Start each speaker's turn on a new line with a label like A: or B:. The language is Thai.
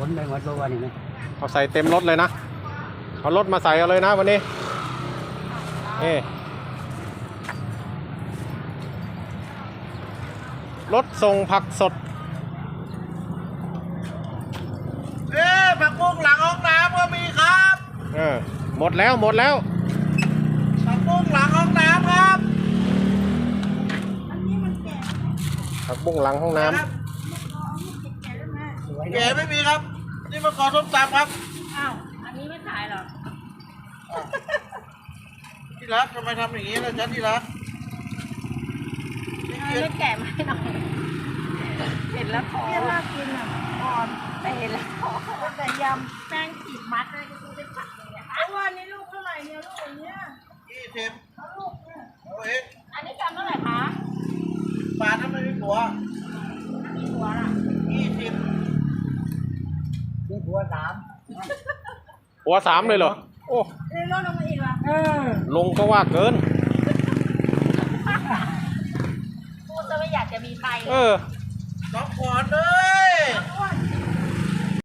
A: นไปหมดตัวนี่นะ
B: เอาใส่เต็มรถเลยนะเอารถมาใส่เอาเลยนะวันนี้รถส่งผักสด
C: ผักบุ้งหลังห้องน้ำก็มีครับ
B: หมดแล้ว
C: ผักบุ้งหลังห้องน้ำครับ
B: ผักบุ้งหลังห้องน้ำ
C: แกไม่มีครับนี่มาขอส้มตำครับ
D: อ้าวอันนี้ไม่ขายหรอ
C: ที่รักทำไมทำอย่างนี้ล่ะจ๊ะที่รัก
D: ไม่แกะไม่หน่อยเห็นแล้วท้อน่ากินอ่ะอ่อนแต่เห็นแล้วท้อแต่ยำแป้งขีดมัดเลยก็คือเป็นผักอย่างเงี้ยวันนี้ลูกเท่าไหร่เนี่ยลูกอย่างเงี้ย
C: 20
D: ลูกเนี่ยอันนี้จำเท่าไหร่คะ
C: บาทนั้นไม่มีผัว
D: มีผัวล่ะ
C: 20
A: นี่หัว3
B: หัว3เลยเหรอโอ้
D: เลยลดลงมาอีกเหรอ
B: ลงก็ว่าเกิน
D: พูดจะไม่อยากจะมีใคร
C: น้องขวัญเลย